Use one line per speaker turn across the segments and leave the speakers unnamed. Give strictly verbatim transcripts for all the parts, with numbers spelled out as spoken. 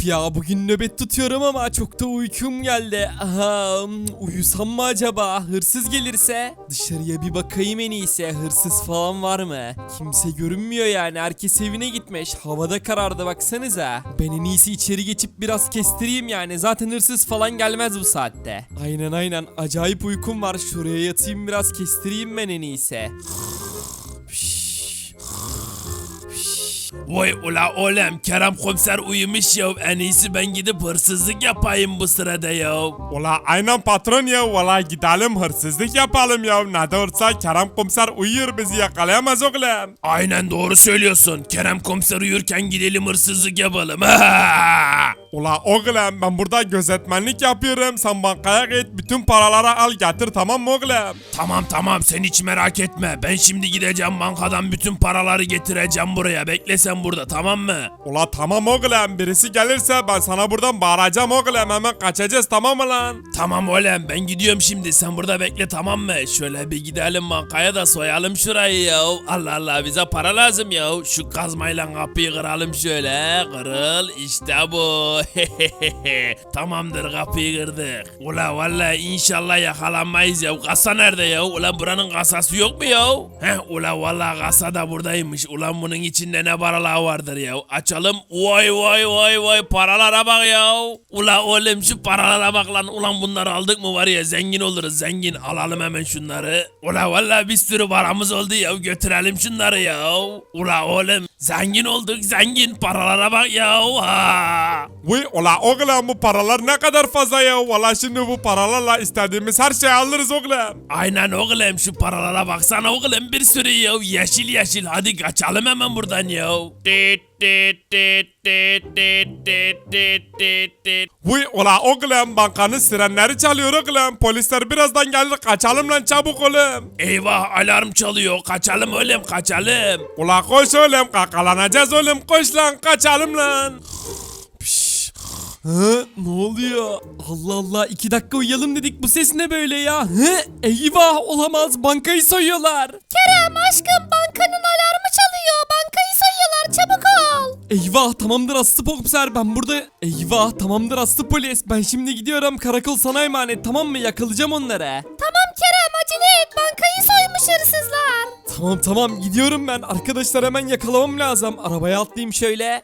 Of ya, bugün nöbet tutuyorum ama çok da uykum geldi. Aha, uyusam mı acaba? Hırsız gelirse? Dışarıya bir bakayım en iyisi. Hırsız falan var mı? Kimse görünmüyor yani. Herkes evine gitmiş. Havada karardı, baksanıza. Ben en iyisi içeri geçip biraz kestireyim yani. Zaten hırsız falan gelmez bu saatte. Aynen aynen. Acayip uykum var. Şuraya yatayım, biraz kestireyim ben en iyisi.
Vay ula oğlum, Kerem komiser uyumuş ya, en iyisi ben gidip hırsızlık yapayım bu sırada ya.
Ula aynen patron ya, valla gidelim hırsızlık yapalım ya. Ne de olsa Kerem komiser uyuyor, bizi yakalayamaz oğlum.
Aynen doğru söylüyorsun, Kerem komiser uyurken gidelim hırsızlık yapalım. Ha!
Ula oğlum, ben burada gözetmenlik yapıyorum, sen bankaya git, bütün paraları al getir, tamam mı oğlum?
Tamam tamam, sen hiç merak etme, ben şimdi gideceğim bankadan bütün paraları getireceğim buraya, bekle sen burada, tamam mı?
Ula tamam oğlum, birisi gelirse ben sana buradan bağıracağım oğlum, hemen kaçacağız, tamam mı lan?
Tamam oğlum, ben gidiyorum şimdi, sen burada bekle, tamam mı? Şöyle bir gidelim bankaya da soyalım şurayı ya. Allah Allah, bize para lazım ya. Şu kazmayla kapıyı kıralım şöyle. Kırıl, işte bu. Tamamdır, kapıyı kırdık. Ula vallahi inşallah yakalanmayız ya. Kasa nerede ya? Ulan buranın kasası yok mu ya? Heh, ula vallahi kasa da buradaymış. Ulan bunun içinde ne paralar vardır ya? Açalım. Vay vay vay vay, paralara bak ya. Ula oğlum, şu paralara bak lan. Ulan bunları aldık mı var ya, zengin oluruz zengin. Alalım hemen şunları. Ula vallahi bir sürü paramız oldu ya. Götürelim şunları ya. Ula oğlum, zengin olduk zengin. Paralara bak ya. Ha.
Vay ula oğlum, bu paralar ne kadar fazla ya. Valla şimdi bu paralarla istediğimiz her şeyi alırız oğlum.
Aynen oğlum, şu paralara baksana oğlum, bir sürü ya. Yeşil yeşil, hadi kaçalım hemen buradan ya.
Vay ula oğlum, bankanın sirenleri çalıyor oğlum. Polisler birazdan gelir, kaçalım lan çabuk oğlum.
Eyvah, alarm çalıyor, kaçalım oğlum kaçalım.
Ula koş oğlum, kakalanacağız oğlum, koş lan, kaçalım lan.
Hı? Ne oluyor? Allah Allah, iki dakika uyuyalım dedik, bu ses ne böyle ya? Hı? Eyvah, olamaz, bankayı soyuyorlar.
Kerem aşkım, bankanın alarmı çalıyor. Bankayı soyuyorlar, çabuk ol.
Eyvah, tamamdır Aslı komiser, ben burada. Eyvah, tamamdır Aslı polis, ben şimdi gidiyorum, karakol sana emanet, tamam mı? Yakalayacağım onları.
Tamam Kerem, acele et, bankayı soymuş hırsızlar.
Tamam tamam, gidiyorum ben. Arkadaşlar hemen yakalamam lazım. Arabaya atlayayım şöyle.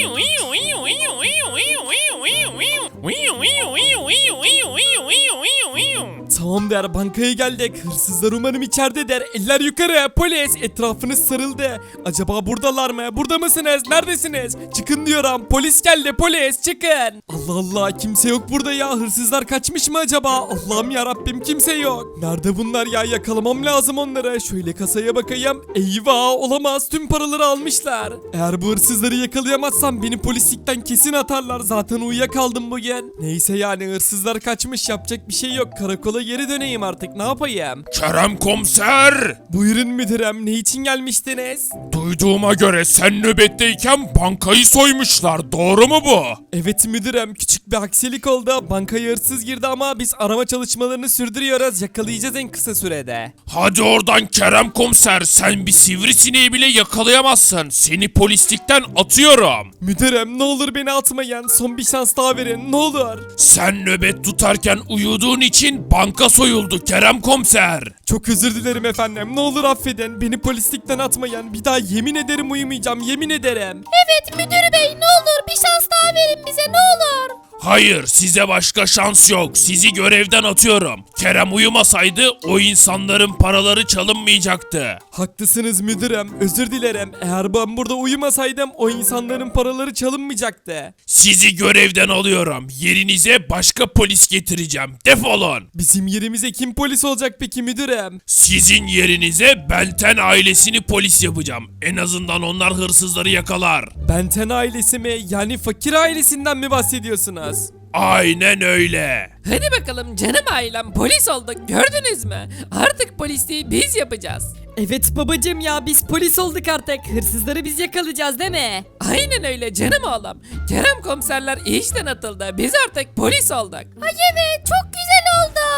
Tamam der, bankaya geldik. Hırsızlar umarım içeride der. Eller yukarı, polis, etrafınız sarıldı. Acaba buradalar mı? Burada mısınız? Neredesiniz? Çıkın diyorum, polis geldi, polis çıkın. Allah Allah, kimse yok burada ya. Hırsızlar kaçmış mı acaba? Allah'ım yarabbim, kimse yok. Nerede bunlar ya? Yakalamam lazım onları. Şöyle kasaya bakayım. Eyvah, olamaz, tüm paraları almışlar. Eğer bu hırsızları yakalayamazsam beni polislikten kesin atarlar. Zaten uyuyakaldım bugün. Neyse yani, hırsızlar kaçmış, yapacak bir şey yok. Karakola geri döneyim artık, ne yapayım?
Kerem komiser,
Buyurun müdürüm, ne için gelmiştiniz?
duyduğuma göre sen nöbetteyken bankayı soymuşlar, doğru mu bu?
Evet müdürüm, küçük bir aksilik oldu. Bankaya hırsız girdi ama biz arama çalışmalarını sürdürüyoruz. Yakalayacağız en kısa sürede.
Hadi oradan Kerem komiser, sen bir sivrisineği bile yakalayamazsın. Seni polislikten atıyorum.
Müdürüm, ne olur beni atmayın. Son bir şans daha verin, ne olur.
Sen nöbet tutarken uyuduğun için banka soyuldu Kerem komiser.
Çok özür dilerim efendim. Ne olur affedin. Beni polislikten atmayın. Bir daha yemin ederim uyumayacağım. Yemin ederim.
Evet müdür bey, ne olur bir şans daha verin bize, ne olur.
Hayır, size başka şans yok. Sizi görevden atıyorum. Kerem uyumasaydı o insanların paraları çalınmayacaktı.
Haklısınız müdürüm. Özür dilerim. Eğer ben burada uyumasaydım o insanların paraları çalınmayacaktı.
Sizi görevden alıyorum. Yerinize başka polis getireceğim. Defolun.
Bizim yerimize kim polis olacak peki müdürüm?
Sizin yerinize Benten ailesini polis yapacağım. En azından onlar hırsızları yakalar.
Benten ailesi mi? Yani fakir ailesinden mi bahsediyorsunuz?
Aynen öyle.
Hadi bakalım canım ailem, polis olduk, gördünüz mü? Artık polisliği biz yapacağız.
Evet babacım ya, biz polis olduk artık. Hırsızları biz yakalayacağız değil mi?
Aynen öyle canım oğlum. Kerem komiserler işten atıldı, biz artık polis olduk.
Ay evet, çok güzel oldu.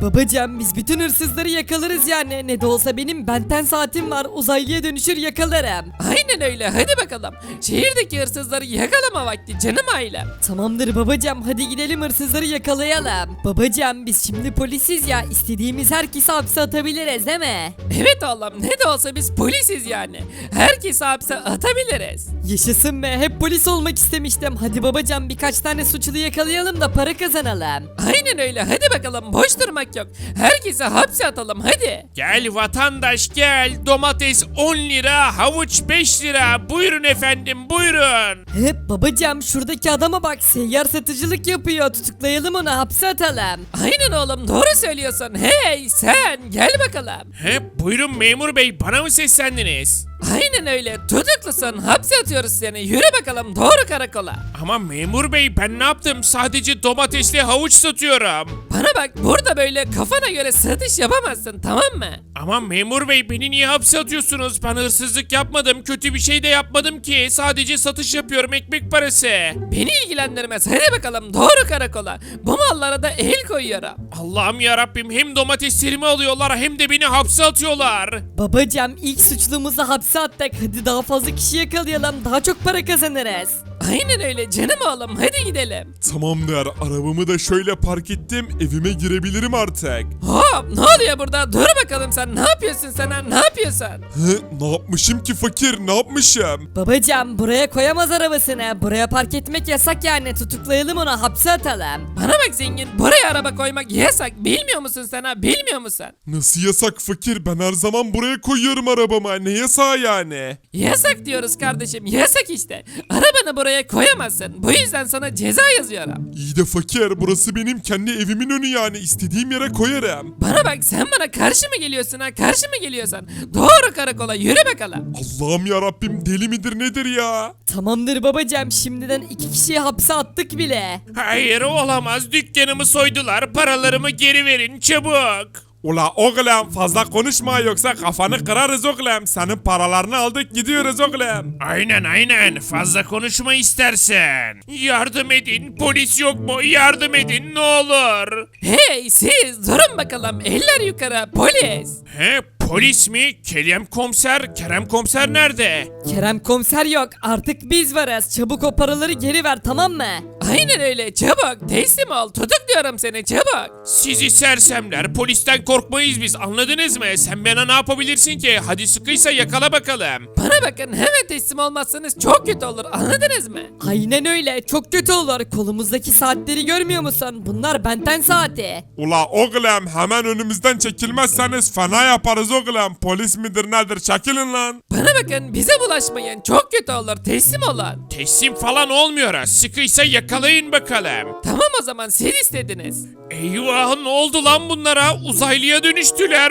Babacım biz bütün hırsızları yakalarız yani. Ne de olsa benim benten saatim var. Uzaylıya dönüşür yakalarım.
Aynen öyle hadi bakalım. Şehirdeki hırsızları yakalama vakti canım ailem.
Tamamdır babacım hadi gidelim hırsızları yakalayalım. Babacım biz şimdi polisiz ya istediğimiz herkesi hapse atabiliriz değil mi?
Evet oğlum ne de olsa biz polisiz yani. Herkesi hapse atabiliriz.
Yaşasın be hep polis olmak istemiştim. Hadi babacım birkaç tane suçlu yakalayalım da para kazanalım.
Aynen öyle hadi bakalım boş durmak yok. Herkesi hapse atalım hadi.
Gel vatandaş gel. Domates on lira, havuç beş lira. Buyurun efendim buyurun.
Hep babacım şuradaki adama bak seyyar satıcılık yapıyor. Tutuklayalım onu hapse atalım.
Aynen oğlum doğru söylüyorsun. Hey sen gel bakalım.
He, buyurun memur bey bana mı seslendiniz?
Aynen öyle tutuklusun hapse atıyoruz seni. Yürü bakalım doğru karakola.
Ama memur bey ben ne yaptım? Sadece domatesli havuç satıyorum.
Bana bak burada böyle kafana göre satış yapamazsın tamam mı?
Ama memur bey beni niye hapse atıyorsunuz? Ben hırsızlık yapmadım, kötü bir şey de yapmadım ki. Sadece satış yapıyorum ekmek parası.
Beni ilgilendirmez hadi bakalım doğru karakola. Bu mallara da el koyuyorum.
Allah'ım ya Rabbim hem domateslerimi alıyorlar hem de beni hapse atıyorlar.
Babacım ilk suçlumuzu hapse attık. Hadi daha fazla kişi yakalayalım. Daha çok para kazanırız.
Aynen öyle canım oğlum hadi gidelim.
Tamamdır arabamı da şöyle park ettim evime girebilirim artık.
Hop ne oluyor burada dur bakalım sen ne yapıyorsun sen ha ne yapıyorsun?
Hı, ne yapmışım ki fakir ne yapmışım?
Babacım buraya koyamaz arabasını. Buraya park etmek yasak yani. Tutuklayalım onu hapse atalım.
Bana bak zengin buraya araba koymak yasak bilmiyor musun sen ha bilmiyor musun?
Nasıl yasak fakir ben her zaman buraya koyuyorum arabama ne yasağı yani?
Yasak diyoruz kardeşim yasak işte. Arabanı buraya koyamazsın bu yüzden sana ceza yazıyorum.
İyi de fakir burası benim kendi evimin önü yani istediğim yere koyarım.
Bana bak sen bana karşı mı geliyorsun ha karşı mı geliyorsun? Doğru karakola yürü bakalım.
Allah'ım ya Rabbim deli midir nedir ya?
Tamamdır babacım şimdiden iki kişiyi hapse attık bile.
Hayır olamaz dükkanımı soydular paralarımı geri verin çabuk.
Ula oğlum fazla konuşma yoksa kafanı kırarız oğlum. Senin paralarını aldık gidiyoruz oğlum.
Aynen aynen fazla konuşma istersen. Yardım edin polis yok mu yardım edin ne olur.
Hey siz durun bakalım eller yukarı polis.
He polis mi? Kerem komiser, Kerem komiser nerede?
Kerem komiser yok artık biz varız. Çabuk o paraları geri ver tamam mı?
Aynen öyle çabuk teslim ol tutukluyorum seni çabuk.
Sizi sersemler polisten korkmayız biz anladınız mı? Sen bana ne yapabilirsin ki? Hadi sıkıysa yakala bakalım.
Bana bakın hemen teslim olmazsanız çok kötü olur anladınız mı?
Aynen öyle çok kötü olur. Kolumuzdaki saatleri görmüyor musun? Bunlar benten saati.
Ula oğlum hemen önümüzden çekilmezseniz fena yaparız oğlum. Polis midir nedir çekilin lan.
Bana bakın bize bulaşmayın çok kötü olur teslim olun.
Teslim falan olmuyor. Sıkıysa yakalayın bakalım.
Tamam o zaman siz istediniz.
Eyvah ne oldu lan bunlara? Uzaylıya dönüştüler.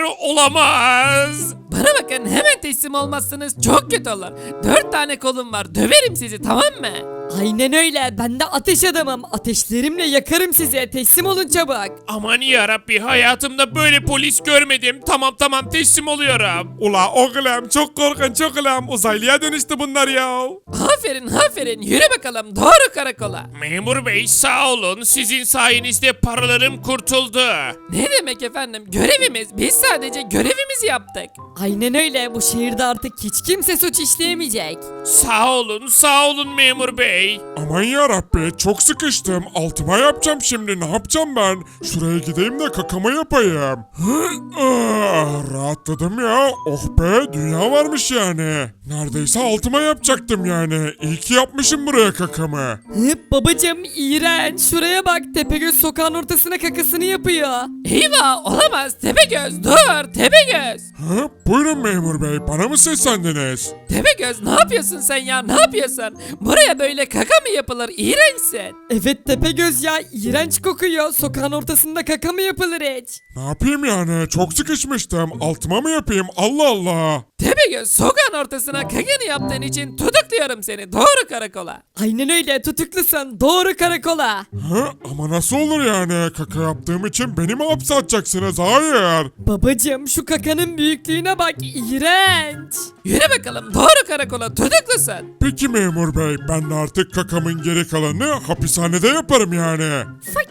Olamaz.
Bana bakın hemen teslim olmazsanız çok kötü olur. Dört tane kolum var döverim sizi tamam mı?
Aynen öyle ben de ateş adamım. Ateşlerimle yakarım sizi. Teslim olun çabuk.
Aman yarabbi hayatımda böyle polis görmedim. Tamam tamam teslim oluyorum.
Ula oğlum çok korkunç oğlum. Uzaylıya dönüştü bunlar ya.
Aferin aferin yürü bakalım doğru karakola.
Memur bey sağ olun. Sizin sayenizde paralarım kurtuldu.
Ne demek efendim görevimiz biz sadece görevimizi yaptık.
Aynen öyle bu şehirde artık hiç kimse suç işleyemeyecek.
Sağ olun sağ olun memur bey.
Aman yarabbi çok sıkıştım. Altıma yapacağım şimdi ne yapacağım ben? Şuraya gideyim de kakama yapayım. Hı, ah, rahatladım ya. Oh be dünya varmış yani. Neredeyse altıma yapacaktım yani. İyi ki yapmışım buraya kakamı.
Hıp babacım iğrenç. Şuraya bak Tepegöz sokağın ortasına kakasını yapıyor.
Eyvah olamaz Tepegöz dur Tepegöz.
Ha, buyurun memur bey bana mı seslendiniz?
Tepegöz ne yapıyorsun sen ya ne yapıyorsun? Buraya böyle kaka mı yapılır iğrençsin.
Evet Tepegöz ya iğrenç kokuyor. Sokağın ortasında kaka mı yapılır hiç?
Ne yapayım yani çok sıkışmıştım. Altıma mı yapayım Allah Allah.
Tepegöz sokağın ortasına kakanı yaptığın için tutukluyorum seni doğru karakola.
Aynen öyle tutuklusun. Doğru karakola.
Ha, ama nasıl olur yani kaka yaptığım için beni mi hapse atacaksınız? Hayır.
Babacım şu kakanın büyüklüğüne bak iğrenç.
Yürü bakalım doğru karakola tutuklusun.
Peki memur bey ben de artık kakamın geri kalanını hapishanede yaparım yani.
Fakir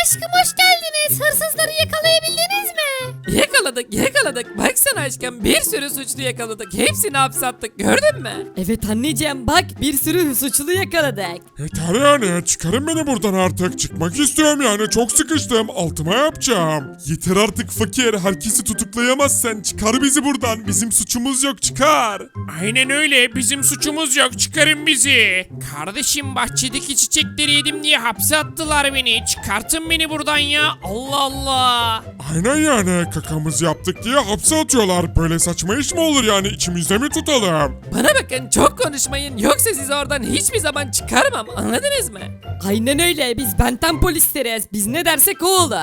aşkım hoş geldiniz. Hırsızları yakalayabildiniz mi?
Yakaladık yakaladık. Baksana aşkım bir sürü suçlu yakaladık. Hepsini hapse attık gördün mü?
Evet anneciğim bak bir sürü suçlu yakaladık.
Yeter yani çıkarın beni buradan artık. Çıkmak istiyorum yani çok sıkıştım. Altıma yapacağım. Yeter artık fakir. Herkesi tutuklayamazsın. Çıkar bizi buradan. Bizim suçumuz yok çıkar.
Aynen öyle bizim suçumuz yok çıkarın bizi. Kardeşim bahçedeki çiçekleri yedim diye hapse attılar beni. Çıkartın beni buradan ya. Allah Allah.
Aynen yani kakamızı yaptık diye hapse atıyorlar. Böyle saçma iş mi olur yani içimizde mi tutalım?
Bana bakın çok konuşmayın yoksa sizi oradan hiçbir zaman çıkarmam anladınız mı?
Aynen öyle biz benten polisleriz. Biz ne dersek o olur.